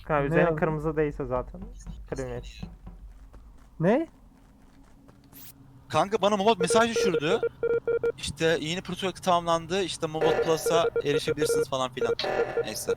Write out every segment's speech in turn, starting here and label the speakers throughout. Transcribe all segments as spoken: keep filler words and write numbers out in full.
Speaker 1: Ha,
Speaker 2: Ne
Speaker 1: üzerine
Speaker 2: yazdı?
Speaker 1: kırmızı değilse zaten. Kremiyet.
Speaker 2: Ne?
Speaker 3: Kanka bana Mobot mesaj düşürdü. İşte yeni protokol tamamlandı. İşte Mobot Plus'a erişebilirsiniz falan filan. Neyse.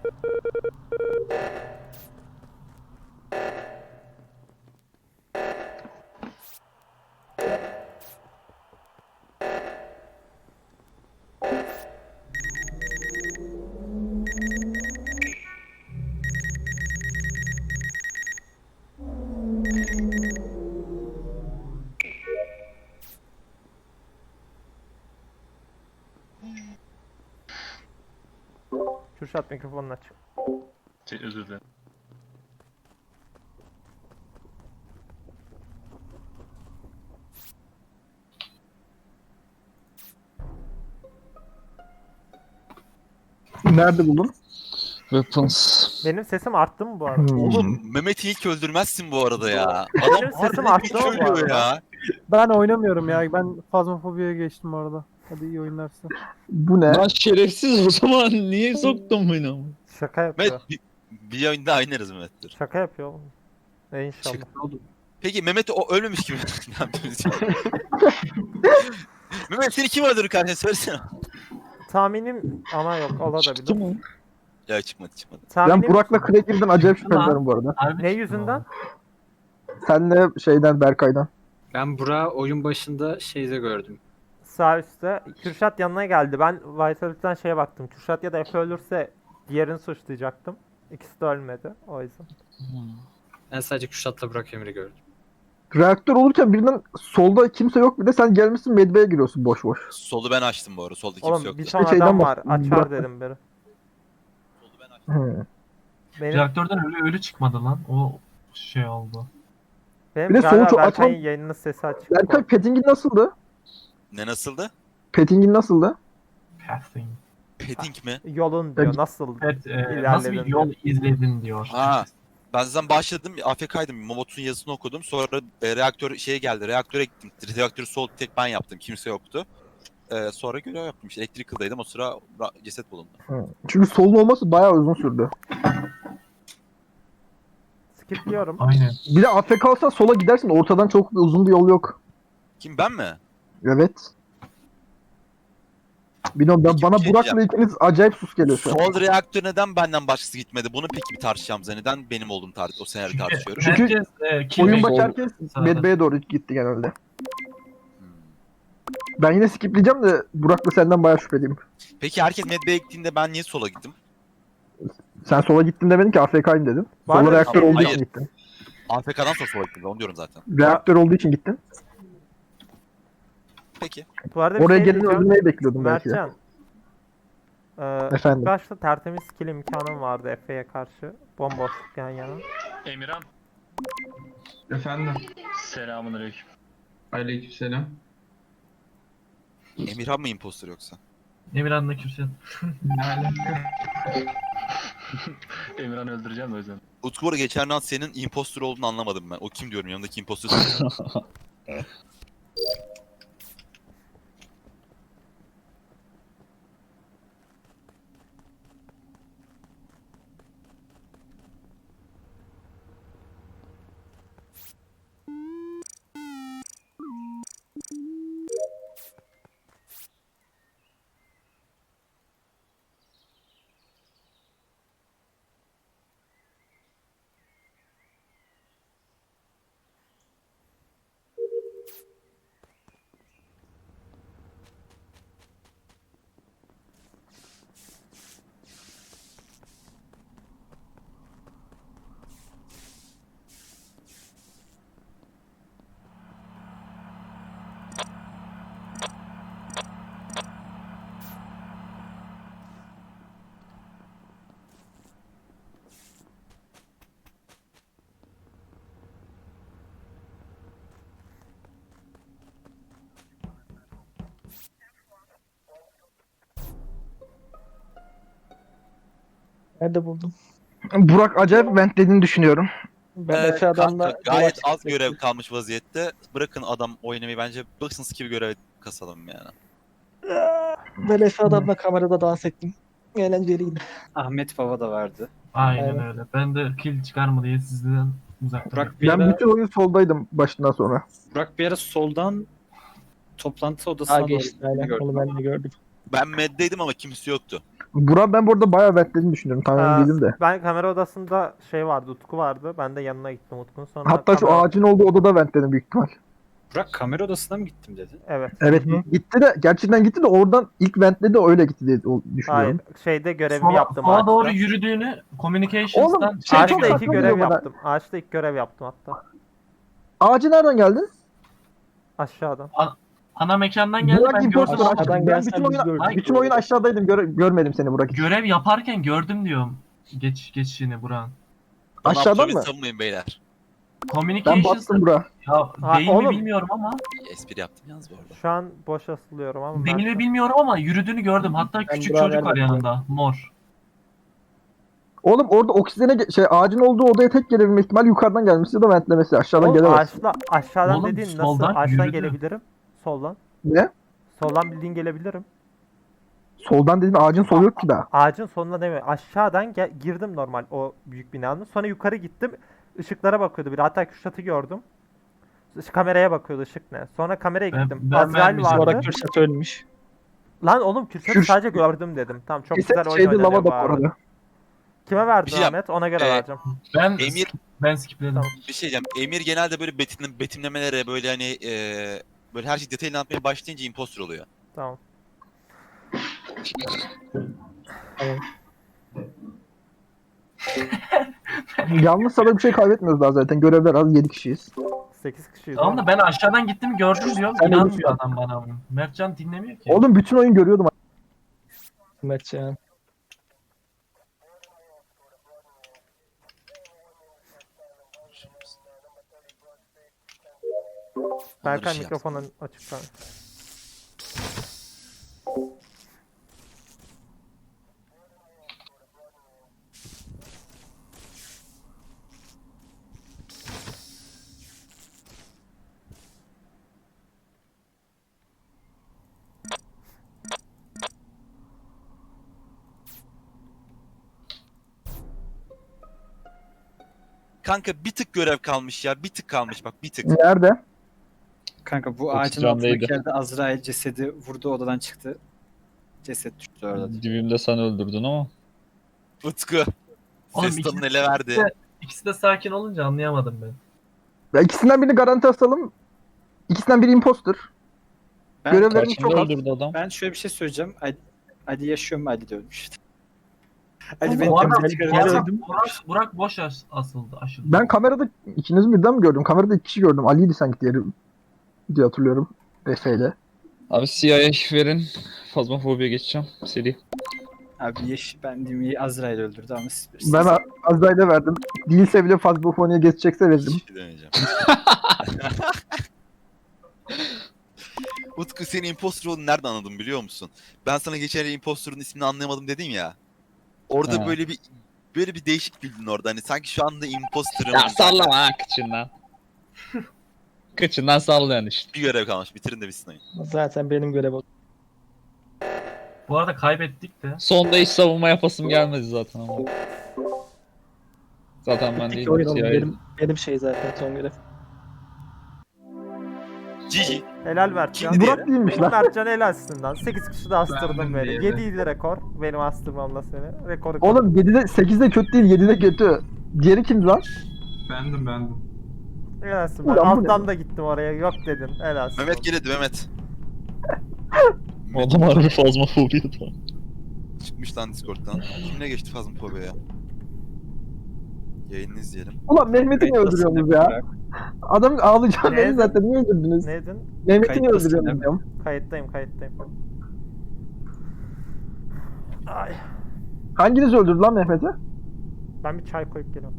Speaker 1: Kürşat mikrofonunu aç.
Speaker 4: Şey, özür dilerim.
Speaker 2: Nerede buldun?
Speaker 5: Weapons.
Speaker 1: Benim sesim arttı mı bu arada?
Speaker 2: Hmm.
Speaker 3: Oğlum Mehmet'i ilk öldürmezsin bu arada ya. Adam
Speaker 1: Benim sesim
Speaker 3: harbiden
Speaker 1: arttı
Speaker 3: hiç
Speaker 1: mı bu
Speaker 3: ölüyor
Speaker 1: arada?
Speaker 3: ya.
Speaker 2: Ben oynamıyorum ya. Ben Phasmophobia'ya geçtim orada. Hadi iyi oyunlar size.
Speaker 6: Bu ne?
Speaker 5: Lan şerefsiz o zaman niye soktun beni ama?
Speaker 1: Şaka yapıyor.
Speaker 3: Mehmet bir, bir oyunda oynarız Mehmet'tir.
Speaker 1: Şaka yapıyor oğlum. E inşallah.
Speaker 3: Şaka. Peki Mehmet o ölmemiş gibi ne yapıyoruz ya? Mehmet seni kim öldürür kardeşim söylesene.
Speaker 1: Tahminim ama yok
Speaker 5: Çıktı
Speaker 1: olabilir.
Speaker 5: mı?
Speaker 3: Ya çıkmadı çıkmadı.
Speaker 6: Ben
Speaker 1: Tahminim
Speaker 6: Burak'la Craig'den acayip şüpheleniyorum bu arada.
Speaker 4: Harbi
Speaker 1: ne
Speaker 4: çıktı
Speaker 1: yüzünden?
Speaker 6: Senle şeyden Berkay'dan.
Speaker 7: Ben Burak'ı oyun başında şeyde gördüm.
Speaker 1: Sağ üstte. Kürşat yanına geldi. Ben Vitality'den şeye baktım. Kürşat ya da Efe ölürse diğerini suçlayacaktım. İkisi de ölmedi. O yüzden.
Speaker 7: Ben sadece Kürşat'la Burak Emir'i gördüm.
Speaker 6: Reaktör olurken birden solda kimse yok, bir de sen gelmişsin medbeye giriyorsun boş boş.
Speaker 3: Solu ben açtım bu arada. Solda kimse
Speaker 1: Oğlum
Speaker 3: yoktu.
Speaker 1: bir ton
Speaker 6: Şeyden
Speaker 1: adam var.
Speaker 6: bak-
Speaker 1: Açar
Speaker 6: Burak-
Speaker 1: dedim biri.
Speaker 3: Solu ben açtım.
Speaker 6: Hmm.
Speaker 1: Benim,
Speaker 4: Reaktörden ölü ölü çıkmadı lan. O şey oldu.
Speaker 1: benim
Speaker 6: Bir de
Speaker 1: galiba
Speaker 6: solu çok
Speaker 1: Berkay'ın
Speaker 6: açmam-
Speaker 1: yayınının sesi açık.
Speaker 6: Berkay Petting'in nasıldı?
Speaker 3: Ne nasıldı?
Speaker 6: Petting'in nasıldı?
Speaker 4: Pathing.
Speaker 3: Padding mi?
Speaker 1: Yolun diyor. Nasıl?
Speaker 4: Evet, e,
Speaker 1: İlerledin
Speaker 4: nasıl bir yol izledin diyor.
Speaker 3: Ha. Ben zaten başladım. A F K'ydım. Mobot'un yazısını okudum. Sonra e, reaktör şeye geldi. Reaktöre gittim. Reaktörü sol tek ben yaptım. Kimse yoktu. E, sonra görev yaptım. İşte Electrical'daydım. O sıra ra- ceset bulundu.
Speaker 6: Hmm. Çünkü solun olması bayağı uzun sürdü.
Speaker 1: Skipliyorum.
Speaker 4: Aynen.
Speaker 6: Bir de A F K olsan sola gidersin, ortadan çok bir uzun bir yol yok.
Speaker 3: Kim ben mi?
Speaker 6: Evet. Bilmiyorum ben,
Speaker 3: Peki,
Speaker 6: bana
Speaker 3: bir şey
Speaker 6: Burak'la ikiniz acayip sus geliyor şu an.
Speaker 3: Sol reaktör neden benden başkası gitmedi? Bunu peki bir tartışacağım. Neden benim olduğum tar o senaryo tartışıyorum.
Speaker 6: Çünkü
Speaker 4: Herkes e, kim
Speaker 6: Oyun
Speaker 4: Sol-
Speaker 6: başı herkes
Speaker 4: sağda.
Speaker 6: medbeye doğru gitti genelde.
Speaker 3: Hmm.
Speaker 6: Ben yine skipleyeceğim de Burak'la senden bayağı şüpheliyim.
Speaker 3: Peki herkes medbeye gittiğinde ben niye sola gittim?
Speaker 6: Sen sola gittin demedin ki A F K'yim dedin.
Speaker 1: Var
Speaker 6: Sola
Speaker 1: ya,
Speaker 6: reaktör
Speaker 1: şey-
Speaker 6: olduğu
Speaker 3: Hayır.
Speaker 6: için gittin.
Speaker 3: A F K'dan sonra sola gittim. Onu diyorum zaten.
Speaker 6: Reaktör olduğu için gittin.
Speaker 3: Peki.
Speaker 1: Bu arada bir
Speaker 6: Oraya
Speaker 1: şey
Speaker 6: geleni
Speaker 1: diyeceğim.
Speaker 6: öldürmeyi bekliyordum belki de.
Speaker 1: Mertcan. Ee,
Speaker 6: Efendim?
Speaker 1: ilk başta tertemiz kill imkanım vardı Efe'ye karşı. Bomboş yan yana.
Speaker 4: Emirhan.
Speaker 8: Efendim.
Speaker 4: Selamünaleyküm.
Speaker 8: Aleykümselam.
Speaker 3: Emirhan mı impostor yoksa?
Speaker 4: Emirhan'la Kürşat.
Speaker 8: Ne alaka?
Speaker 4: Emirhan'ı öldüreceğim de o yüzden.
Speaker 3: Utku bu arada geçen round senin impostor olduğunu anlamadım ben. O kim diyorum yanındaki impostor.
Speaker 2: Nerede buldun?
Speaker 6: Burak acayip ventlediğini düşünüyorum.
Speaker 2: Ben
Speaker 3: Ee,
Speaker 2: Efe adamla
Speaker 3: kanka, gayet
Speaker 2: yola
Speaker 3: az
Speaker 2: çıktık.
Speaker 3: görev kalmış vaziyette. Bırakın adam oynamayı bence. Bıksınız gibi görev kasalım yani.
Speaker 2: Ben Efe adamla kamerada dans ettim. Eğlenceliydi.
Speaker 7: Ahmet Baba da vardı.
Speaker 4: Aynen
Speaker 2: Aynen.
Speaker 4: öyle. Ben de kill çıkar mı diye sizden uzak duruyorum.
Speaker 7: Burak bir
Speaker 6: Ben
Speaker 7: ara,
Speaker 6: bütün oyun soldaydım başından sonra.
Speaker 7: Burak bir ara soldan toplantı odasına
Speaker 2: Aa
Speaker 7: doğru
Speaker 2: geçti
Speaker 7: gittiğini
Speaker 2: aynen.
Speaker 7: gördüm
Speaker 2: Onu ben
Speaker 7: ama.
Speaker 2: de gördüm.
Speaker 3: Ben meddeydim ama kimse yoktu.
Speaker 6: Burak ben bu arada bayağı ventlediğini düşünüyorum. Tam emin
Speaker 1: Ee,
Speaker 6: değilim de.
Speaker 1: Ben kamera odasında şey vardı, Utku vardı. Ben de yanına gittim Utku'nun. Sonra
Speaker 6: Hatta şu
Speaker 1: kamera-
Speaker 6: ağacın olduğu odada ventledim büyük ihtimal.
Speaker 7: Burak kamera odasına mı gittim dedi?
Speaker 1: Evet.
Speaker 6: Evet
Speaker 2: Hı hı.
Speaker 6: gitti de gerçekten gitti de oradan ilk ventledi öyle gitti diye o-
Speaker 1: Hayır.
Speaker 6: düşünüyorum.
Speaker 1: Şeyde görevimi
Speaker 4: Sola,
Speaker 1: yaptım
Speaker 4: sola
Speaker 1: ağaçta.
Speaker 4: doğru yürüdüğünü Communications'tan
Speaker 6: Oğlum, şey
Speaker 4: şehre
Speaker 6: çok
Speaker 1: Ağaçta
Speaker 4: gördüm.
Speaker 1: iki
Speaker 6: saçma
Speaker 1: görev
Speaker 6: geliyor bana.
Speaker 1: yaptım. Ağaçta ilk görev yaptım hatta.
Speaker 6: Ağacı nereden geldin?
Speaker 1: Aşağıdan.
Speaker 4: Ana mekandan geldi.
Speaker 6: Burak
Speaker 4: Ben
Speaker 6: imposter
Speaker 4: gördüm.
Speaker 6: aşkım.
Speaker 2: Aşağıdan
Speaker 6: Ben
Speaker 2: gelsen
Speaker 6: bütün
Speaker 2: biz
Speaker 6: oyun,
Speaker 2: gördük.
Speaker 6: bütün oyun aşağıdaydım. Göre- görmedim seni Burak. hiç.
Speaker 4: Görev yaparken gördüm diyorum. Geç geçişini Burak'ın.
Speaker 3: Bana
Speaker 6: Aşağıdan
Speaker 3: absolut
Speaker 6: mı?
Speaker 3: savunmayın beyler.
Speaker 6: Ben
Speaker 4: Communications'ta
Speaker 6: battım Burak.
Speaker 4: ya
Speaker 1: Ha,
Speaker 4: değil mi
Speaker 1: oğlum.
Speaker 4: bilmiyorum ama
Speaker 3: Espri yaptım yalnız bu arada.
Speaker 1: Şu an boş asılıyorum ama
Speaker 4: değil mi
Speaker 1: Mert-
Speaker 4: bilmiyorum ama yürüdüğünü gördüm. Hatta küçük
Speaker 2: Burak'a
Speaker 4: çocuk var
Speaker 2: vermedim.
Speaker 4: yanında. Mor.
Speaker 6: Oğlum orada oksijene ge- şey ağacın olduğu odaya tek gelebilme ihtimali yukarıdan gelmesi ya da ventlemesi aşağıdan
Speaker 1: Oğlum
Speaker 6: gelemez.
Speaker 1: ağaçla, aşağıdan
Speaker 4: Oğlum,
Speaker 1: dediğin nasıl?
Speaker 4: soldan
Speaker 1: Ağaçtan
Speaker 4: yürüdü.
Speaker 1: gelebilirim. Soldan.
Speaker 6: Ne?
Speaker 1: Soldan bildiğin gelebilirim.
Speaker 6: Soldan dediğin ağacın solu yok ki daha.
Speaker 1: Ağacın sonuna demiyor. Aşağıdan gel- girdim normal o büyük binanın. Sonra yukarı gittim. Işıklara bakıyordu biri. Hatta Kürşat'ı gördüm. Iş- Kameraya bakıyordu ışık ne. Sonra kameraya
Speaker 4: Ben-
Speaker 1: gittim.
Speaker 4: ben
Speaker 1: Azrail
Speaker 4: vermeyeceğim.
Speaker 1: vardı.
Speaker 2: Sonra Kürşat ölmüş.
Speaker 1: Lan oğlum Kürşat'ı
Speaker 6: Kürş-
Speaker 1: sadece gördüm dedim. Tamam çok
Speaker 6: Kesin
Speaker 1: güzel oyun
Speaker 6: şeyde
Speaker 1: oynanıyor
Speaker 6: lava
Speaker 1: bu
Speaker 6: da bu
Speaker 1: arada.
Speaker 6: arada.
Speaker 1: Kime verdin
Speaker 3: Bir şey yap-
Speaker 1: Ahmet? Ona göre
Speaker 3: Ee,
Speaker 1: vereceğim.
Speaker 4: Ben
Speaker 3: Emir
Speaker 4: ben skipledim.
Speaker 1: Tamam.
Speaker 3: bir şey diyeceğim. Emir genelde böyle betim, betimlemelere böyle hani eee böyle her şey detaylı anlatmaya başlayınca imposter oluyor.
Speaker 1: Tamam.
Speaker 6: Yalnız sana bir şey kaybetmiyoruz daha zaten. Görevler az yedi kişiyiz.
Speaker 1: sekiz kişiyiz.
Speaker 4: Tamam
Speaker 1: oğlum.
Speaker 4: da ben aşağıdan gittim gördüm diyorum.
Speaker 6: Sen
Speaker 4: İnanmıyor
Speaker 6: ölmüşsün.
Speaker 4: adam bana bunu. Mertcan dinlemiyor ki.
Speaker 6: Oğlum bütün oyun görüyordum.
Speaker 2: Mertcan.
Speaker 1: Berkay
Speaker 3: şey yaptım.
Speaker 1: mikrofonun açık kanka.
Speaker 3: Kanka bir tık görev kalmış ya. Bir tık kalmış bak bir tık.
Speaker 6: Nerede?
Speaker 7: Kanka bu ağacın
Speaker 5: candaydı.
Speaker 7: altındaki yerde Azrail cesedi vurdu odadan çıktı. Ceset düştü orada.
Speaker 5: Dibimde sen öldürdün ama.
Speaker 3: Utku.
Speaker 4: Oğlum,
Speaker 3: Ses tonunu
Speaker 4: ikisi-
Speaker 3: ele verdi.
Speaker 4: ikisi de- İkisi de sakin olunca anlayamadım ben.
Speaker 6: Ya ikisinden birini garanti asalım. İkisinden biri imposter.
Speaker 7: Ben,
Speaker 6: Görevlerim
Speaker 5: Karşımda
Speaker 6: çok az.
Speaker 5: öldürdü adam.
Speaker 7: ben şöyle bir şey söyleyeceğim. Ali, Ali yaşıyor mu? Ali de ölmüş. Ali
Speaker 2: Ama
Speaker 7: beni
Speaker 4: Bu arada
Speaker 7: temize
Speaker 2: ben-
Speaker 7: çıkaracak.
Speaker 2: ben-
Speaker 4: Burak, Burak, Burak boş as- asıldı. Aşıldı.
Speaker 6: Ben kamerada ikinizi birden mi gördüm? Kamerada iki kişi gördüm. Ali'ydi sanki diğeri diye hatırlıyorum. Efe'yle.
Speaker 5: Abi C I A verin. Fazmafobiye geçeceğim. Seri.
Speaker 7: Abi yaş, ben diyeyim Azrail öldürdü ama siz
Speaker 6: Ben
Speaker 7: bilirsiniz.
Speaker 6: A- Azrail'e verdim. Değilse bile Fazbofoni'ye geçecekse veririm.
Speaker 3: Hiçbir şey demeyeceğim. Utku senin imposter olduğunu nereden anladım biliyor musun? Ben sana geçen el imposter'ın ismini anlayamadım dedim ya. Orada
Speaker 5: Ha.
Speaker 3: böyle bir böyle bir değişik güldün orada. Hani sanki şu anda imposter'ım.
Speaker 5: Ya sallama ha kıçından. Kıçından sallayan işte.
Speaker 3: Bir görev kalmış. Bitirin de bitsin oyun.
Speaker 2: Zaten benim görevim.
Speaker 4: Bu arada kaybettik de.
Speaker 5: Sonda hiç savunma yapasım gelmedi zaten ama. Zaten ben
Speaker 2: İki
Speaker 5: değilim.
Speaker 2: oyun oldu.
Speaker 5: C I A.
Speaker 2: Benim, benim şey zaten son görev.
Speaker 3: Cici.
Speaker 1: Helal Mertcan.
Speaker 3: Kimdi
Speaker 6: Burak değilmiş lan.
Speaker 1: Mertcan helalsin lan. sekiz kişi de astırdım
Speaker 8: Bendim
Speaker 1: beni.
Speaker 8: diğeri.
Speaker 1: yedi idi rekor. Benim astırmamla seni. Rekoru
Speaker 6: Oğlum yedide sekizde kötü değil, yedide kötü. Diğeri kimdi lan?
Speaker 8: Bendim bendim.
Speaker 1: helalsin. Ben
Speaker 6: Ulan bu ne?
Speaker 1: alttan da gittim oraya. Yok dedin. Helalsin.
Speaker 3: Mehmet geledi Mehmet.
Speaker 5: Adam harbi fazmafobiye da.
Speaker 3: Çıkmış lan Discord'dan. Kimle geçti Fazmafobia'ya? Yayını izleyelim.
Speaker 6: Ulan Mehmet'i niye öldürüyorsunuz ya? Adam ağlayacağım
Speaker 1: Ne?
Speaker 6: beni zaten niye öldürdünüz?
Speaker 1: Neydin?
Speaker 6: Mehmet'i niye
Speaker 7: Kayıttasın
Speaker 6: öldürüyorsunuz
Speaker 7: değil mi?
Speaker 6: diyorum.
Speaker 1: Kayıttayım kayıttayım. Ay.
Speaker 6: Hanginiz öldürdü lan Mehmet'i?
Speaker 1: Ben bir çay koyup geliyorum.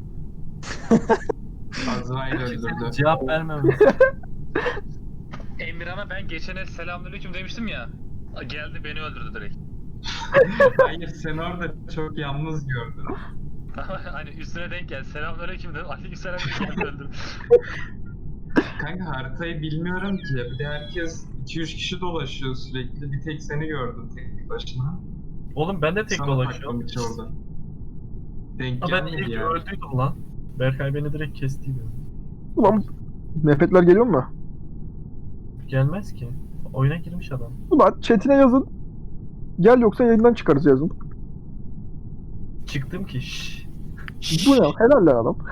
Speaker 8: Azrail öldürdü.
Speaker 4: Cevap vermem.
Speaker 9: Emirhan'a ben geçen el selamünaleyküm demiştim ya. Geldi beni öldürdü direkt.
Speaker 8: Hayır sen orada çok yalnız gördün.
Speaker 9: Hani üstüne denk geldi. Selamünaleyküm dedim. Aleykümselam dedi, geldi öldürdü.
Speaker 8: Kanka haritayı bilmiyorum ki. Bir de herkes iki üç kişi dolaşıyor sürekli. Bir tek seni gördüm tek başına.
Speaker 4: Oğlum ben de tek
Speaker 8: Sana
Speaker 4: dolaşıyorum.
Speaker 8: taktım içi orada. Denk
Speaker 4: Ha, ben
Speaker 8: gelmedi
Speaker 4: ilk
Speaker 8: yani.
Speaker 4: öldüydüm lan. Berkay beni direkt kestiydi.
Speaker 6: Ulan Mehmetler geliyor mu?
Speaker 4: Gelmez ki. Oyuna girmiş adam.
Speaker 6: Ulan chatine yazın. Gel yoksa yayından çıkarız yazın.
Speaker 4: Çıktım ki. Şşş.
Speaker 6: Bu ne? Helal lan adam.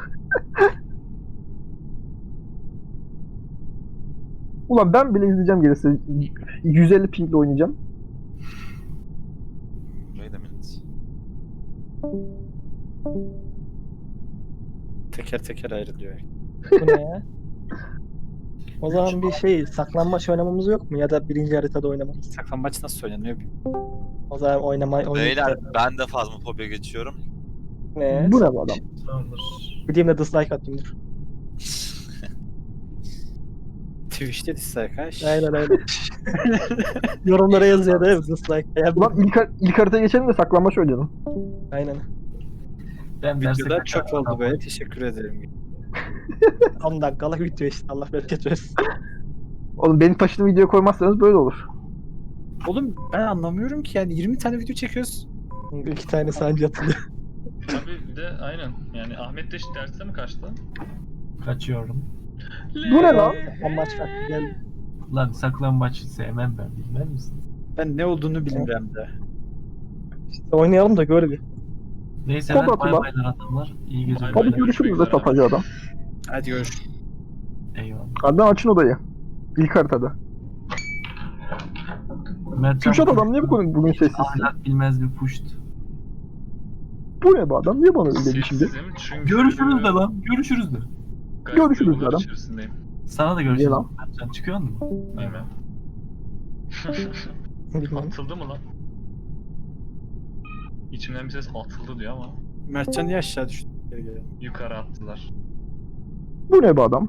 Speaker 6: Ulan ben bile izleyeceğim gerisi. yüz elli pingle oynayacağım.
Speaker 3: Wait a minute.
Speaker 7: Teker teker ayrılıyor.
Speaker 10: Bu ne ya? O zaman bir şey saklanmaç oynamamız yok mu? Ya da birinci haritada oynamamız.
Speaker 7: Saklambaç nasıl oynanıyor bilmiyorum.
Speaker 10: O zaman oynama
Speaker 3: Beyler
Speaker 10: oynayacağız.
Speaker 3: ben de fazmafobiya geçiyorum.
Speaker 10: Ne?
Speaker 6: Bu ne bu adam?
Speaker 4: Tamamdır.
Speaker 10: Gideyim de dislike atayım dur.
Speaker 7: Twitch'te dislike ha.
Speaker 10: Aynen aynen. Yorumlara yazıyor değil mi dislike? Ya,
Speaker 6: Ulan ilk, har- ilk haritaya geçelim de saklanmaç oynayalım.
Speaker 10: aynen.
Speaker 4: Ben
Speaker 7: Videoda çok oldu böyle. Teşekkür ederim.
Speaker 10: on dakikalık video işte Allah bereket versin.
Speaker 6: Oğlum beni taşıdığım videoya koymazsanız böyle olur.
Speaker 7: Oğlum ben anlamıyorum ki yani yirmi tane video çekiyoruz.
Speaker 10: İki tane sancı atılıyor.
Speaker 9: Tabii bir de aynen. Yani Ahmet de işte derste mi kaçtı?
Speaker 4: Kaçıyorum.
Speaker 6: Bu ne lan?
Speaker 10: Amaç kalktı geldi.
Speaker 4: Lan saklambaçı sevmem ben, bilmez misin?
Speaker 7: Ben ne olduğunu bilmiyorum da.
Speaker 10: İşte oynayalım da gör bir.
Speaker 4: Neyse
Speaker 6: Kod
Speaker 4: ben bay
Speaker 6: atılan.
Speaker 4: baylar adamlar. İyi geceler.
Speaker 9: Bay
Speaker 6: Hadi
Speaker 9: bay.
Speaker 6: görüşürüz de tapacı adam.
Speaker 7: Hadi görüşürüz.
Speaker 4: Eyvallah.
Speaker 6: Hadi açın odayı. İlk haritada.
Speaker 4: Mertcan
Speaker 6: Kürşat adam niye bu konu bugün sessizsin?
Speaker 4: ahlak bilmez bir puşt.
Speaker 6: Bu ne bu adam? Niye bana öyle dedi şimdi?
Speaker 9: Sessizim çünkü...
Speaker 4: Görüşürüz de lan. Görüşürüz de.
Speaker 9: Gayet
Speaker 6: Görüşürüz
Speaker 9: yollar
Speaker 6: adam.
Speaker 9: içerisindeyim.
Speaker 4: Sana da görüşürüz.
Speaker 6: lan?
Speaker 4: Mertcan çıkıyor mu?
Speaker 9: Aynen.
Speaker 10: Bilmem.
Speaker 9: Atıldı mı lan? İçimden bir ses atıldı diyor ama
Speaker 7: Mertcan niye aşağı düştü? Geri gel.
Speaker 9: yukarı attılar.
Speaker 6: Bu ne bu adam?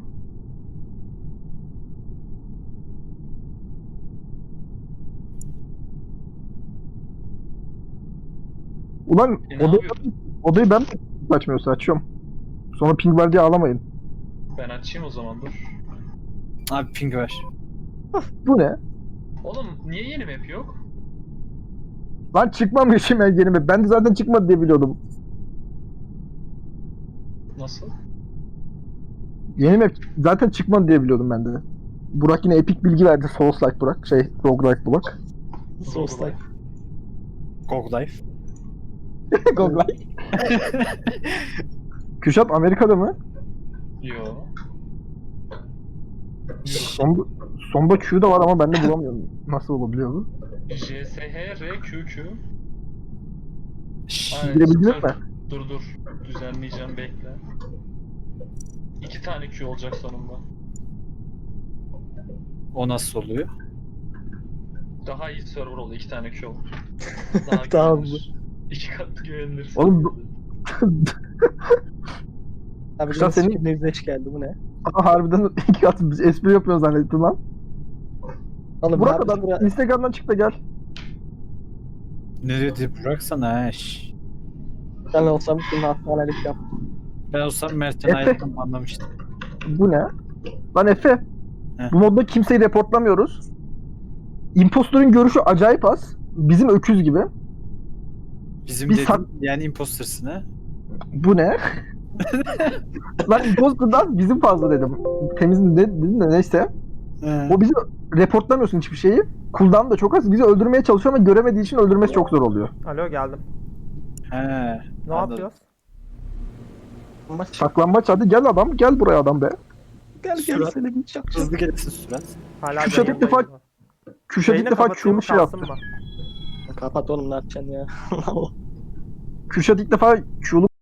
Speaker 6: Ulan
Speaker 9: E, ne
Speaker 6: oda,
Speaker 9: yapıyorsun?
Speaker 6: odayı ben mi açmıyorsa açıyorum. Sonra ping var diye ağlamayın.
Speaker 9: Ben açayım o zaman dur.
Speaker 7: Abi ping ver.
Speaker 6: Bu ne?
Speaker 9: Oğlum niye yeni map yok?
Speaker 6: Lan çıkmamışım ben yeni map. Ben de zaten çıkmadı diye biliyordum.
Speaker 9: Nasıl?
Speaker 6: Yeni map zaten çıkmadı diye biliyordum ben de. Burak yine epik bilgi verdi. Souls-like Burak. Şey, roguelike Burak.
Speaker 10: Soulslike.
Speaker 7: Gog Life.
Speaker 6: roguelike. Kürşat Amerika'da mı?
Speaker 9: Yo.
Speaker 6: Son, sonda Q da var ama ben de bulamıyorum. Nasıl olabiliyor bu?
Speaker 9: J S H R Q Q.
Speaker 6: Girebildiniz
Speaker 9: süper.
Speaker 6: mi?
Speaker 9: Dur dur. Düzenleyeceğim bekle. İki tane Q olacak sonunda.
Speaker 7: O nasıl oluyor?
Speaker 9: Daha iyi server oldu. İki tane Q oldu. Daha
Speaker 10: Tamam.
Speaker 9: güvenilir. İki katlı güvenilir.
Speaker 6: Oğlum bu-
Speaker 10: Abi
Speaker 6: Kuşat
Speaker 10: senin
Speaker 6: senin-
Speaker 10: nevzeş geldi bu ne?
Speaker 6: Aha, harbiden iki katı biz espri yapıyoruz zannettim lan.
Speaker 10: Oğlum
Speaker 6: Burak
Speaker 10: abi,
Speaker 6: adam
Speaker 10: bura-
Speaker 6: Instagram'dan çık da gel.
Speaker 7: Ne dedi Burak sana ha? şş.
Speaker 10: ben olsam bütün hastanelik yap.
Speaker 7: Ben olsam Mertcan
Speaker 6: Efe.
Speaker 7: ayrıldım anlamıştım.
Speaker 6: Bu ne? Lan Efe.
Speaker 7: Heh.
Speaker 6: Bu modda kimseyi reportlamıyoruz. Impostor'un görüşü acayip az. Bizim öküz gibi.
Speaker 7: Bizim
Speaker 6: Biz
Speaker 7: dedim
Speaker 6: sak-
Speaker 7: yani impostersın ha.
Speaker 6: Bu ne? Lan Impostor'dan bizim fazla dedim. Temiz ne dedim de neyse.
Speaker 7: He.
Speaker 6: O bizi reportlamıyorsun hiçbir şeyi. Cooldown da çok az. Bizi öldürmeye çalışıyor ama göremediği için öldürmesi çok zor oluyor.
Speaker 1: Alo geldim.
Speaker 7: He.
Speaker 1: Ne
Speaker 7: Anladım.
Speaker 1: yapıyoruz?
Speaker 10: Ama
Speaker 6: Saklambaç hadi gel adam. Gel buraya adam be.
Speaker 10: gel gel
Speaker 7: Surat.
Speaker 10: seni bir çok çok.
Speaker 7: Hızlı gelsin surat.
Speaker 1: Hala
Speaker 6: Kürşat ilk defa
Speaker 1: yayındayım.
Speaker 6: Kürşat ilk
Speaker 1: Yayını
Speaker 6: defa
Speaker 1: kapatayım mı,
Speaker 6: Q'mu şey yaptı.
Speaker 1: kalsın mı?
Speaker 10: Kapat oğlum ne yapacaksın ya.
Speaker 6: Kürşat ilk defa Q'lu